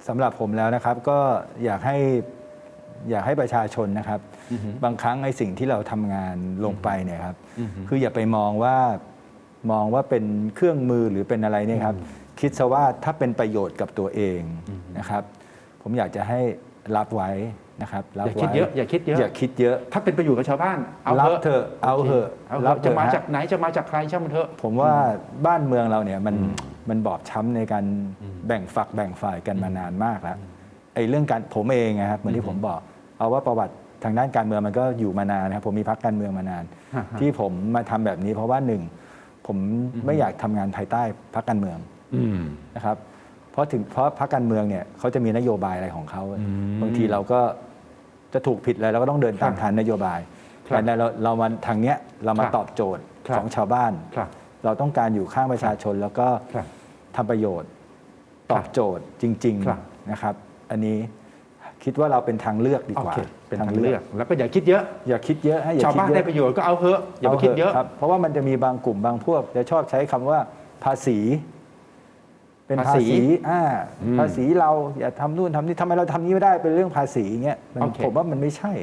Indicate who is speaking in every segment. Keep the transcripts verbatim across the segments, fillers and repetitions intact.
Speaker 1: สำหรับผมแล้วนะครับก็อยากให้อยากให้ประชาชนนะครับบางครั้งไอ้สิ่งที่เราทำงานลงไปเนี่ยครับคืออย่าไปมองว่ามองว่าเป็นเครื่องมือหรือเป็นอะไรเนี่ยครับคิดซะว่าถ้าเป็นประโยชน์กับตัวเองนะครับผมอยากจะให้รับไว้นะครับ
Speaker 2: อย่าคิดเยอะอย่าคิดเยอะ
Speaker 1: อย่าคิดเยอะ
Speaker 2: ถ้าเป็นประโยชน์กับชาวบ้านเอา
Speaker 1: รับเถอะเอาเถอะ
Speaker 2: รับจะมาจากไหนจะมาจากใครช่างมันเถอะ
Speaker 1: ผมว่าบ้านเมืองเราเนี่ยมันมันบอบช้ำในการแบ่งฝักแบ่งฝ่ายกันมานานมากแล้วไอ้เรื่องการผมเองนะครับเหมือนที่ผมบอกเอาว่าประวัติทางด้านการเมืองมันก็อยู่มานานนะครับผมมีพรรคการเมืองมานาน ที่ผมมาทำแบบนี้เพราะว่าหนึ่งผมไม่อยากทำงานภายใต้พรรคการเมืองนะครับเพราะถึงเพราะพรรคการเมืองเนี่ยเขาจะมีนโยบายอะไรของเขาบางทีเราก็จะถูกผิดอะไรเราก็ต้องเดินตามทางนโยบายแต่เราเรามาทางเนี้ยเรามาตอบโจทย์ของชาวบ้านเราต้องการอยู่ข้างประชาชนแล้วก็ทำประโยชน์ตอบโจทย์จริงๆนะครับอันนี้คิดว่าเราเป็นทางเลือกดีกว่า
Speaker 2: เป็นทางเลือกแล้วก็อย่าคิดเยอะ
Speaker 1: อย่าคิดเยอะให้
Speaker 2: ชาวบ้านได้ประโยชน์ก็เอาเถอะอย่าไปคิดเยอะ
Speaker 1: เพราะว่ามันจะมีบางกลุ่มบางพวกจะชอบใช้คำว่าภาษีเป็นภาษีอ่าภาษีเราอย่าทำนู่นทำนี่ทำไมเราทำนี้ไม่ได้เป็นเรื่องภาษีเงี้ยผมว่ามันไม่ใช่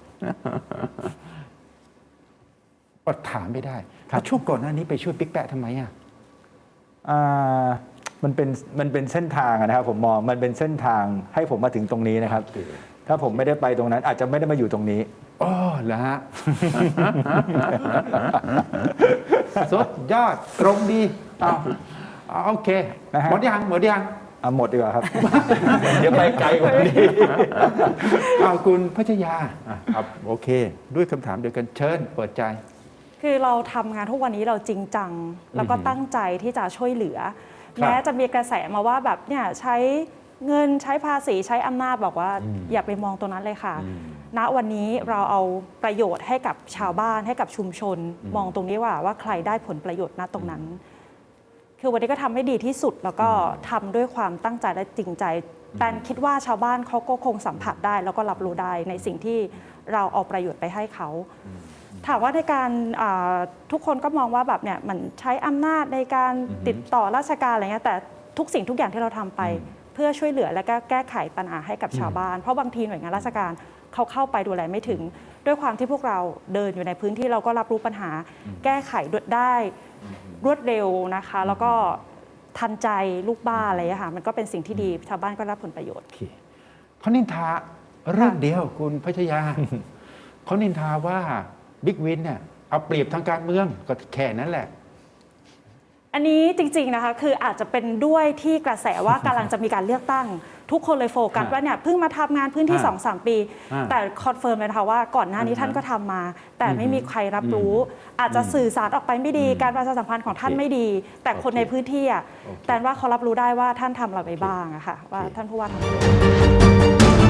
Speaker 2: ก็ถามไม่ได้ช่วงก่อนหน้านี้ไปช่วยปิ๊กแปะทำไมอ่ะ
Speaker 1: มันเป็นมันเป็นเส้นทางนะครับผมมองมันเป็นเส้นทางให้ผมมาถึงตรงนี้นะครับถ้าผมไม่ได้ไปตรงนั้นอาจจะไม่ได้มาอยู่ตรงนี้
Speaker 2: อ๋อเหรอฮะสุดยอดตรงดีเอาโอเคหมดยังหมดยัง
Speaker 1: หมดดีกว่าครับเดี๋ยวไปไกลกว่านี้
Speaker 2: เอาคุณพัชยาครับโอเคด้วยคำถามเดียวกันเชิญเปิดใจ
Speaker 3: คือเราทำงานทุกวันนี้เราจริงจังแล้วก็ตั้งใจที่จะช่วยเหลือแม้จะมีกระแสมาว่าแบบเนี่ยใช้เงินใช้ภาษีใช้อำนาจบอกว่าอย่าไปมองตรงนั้นเลยค่ะณวันนี้เราเอาประโยชน์ให้กับชาวบ้านให้กับชุมชนมองตรงนี้ว่าว่าใครได้ผลประโยชน์ณตรงนั้นคือวันนี้ก็ทำให้ดีที่สุดแล้วก็ทำด้วยความตั้งใจและจริงใจแต่คิดว่าชาวบ้านเขาก็คงสัมผัสได้แล้วก็รับรู้ได้ในสิ่งที่เราเอาประโยชน์ไปให้เขาถามว่าในการทุกคนก็มองว่าแบบเนี่ยมันใช้อำนาจในการติดต่อราชการอะไรเงี้ยแต่ทุกสิ่งทุกอย่างที่เราทำไปเพื่อช่วยเหลือและก็แก้ไขปัญหาให้กับชาวบ้านเพราะบางทีหน่วยงานราชการเขาเข้าไปดูแลไม่ถึงด้วยความที่พวกเราเดินอยู่ในพื้นที่เราก็รับรู้ปัญหาแก้ไขได้รวดเร็วนะคะแล้วก็ทันใจลูกบ้านอะไรอย่างเงี้ยค่ะมันก็เป็นสิ่งที่ดีชาวบ้านก็รับผลประโยชน์
Speaker 2: เขานินทาเรื่องเดียวคุณพัชยาเขานินทาว่าบิ๊กวินเนี่ยเอาเปรียบทางการเมืองก็แค่นั้นแหละ
Speaker 3: อันนี้จริงๆนะคะคืออาจจะเป็นด้วยที่กระแสว่ากำลังจะมีการเลือกตั้งทุกคนเลยโฟกัสว่าเนี่ยเพิ่งมาทำงานพื้นที่ สองสาม ปีแต่คอนเฟิร์มเลยนะคะว่าก่อนหน้านี้ท่านก็ทำมาแต่ไม่มีใครรับรู้อาจจะสื่อสารออกไปไม่ดีการประชาสัมพันธ์ของท่านไม่ดีแต่คนในพื้นที่อ่ะแต่ว่าเขารับรู้ได้ว่าท่านทำอะไรไปบ้างอะค่ะว่าท่านผู้ว่าทำ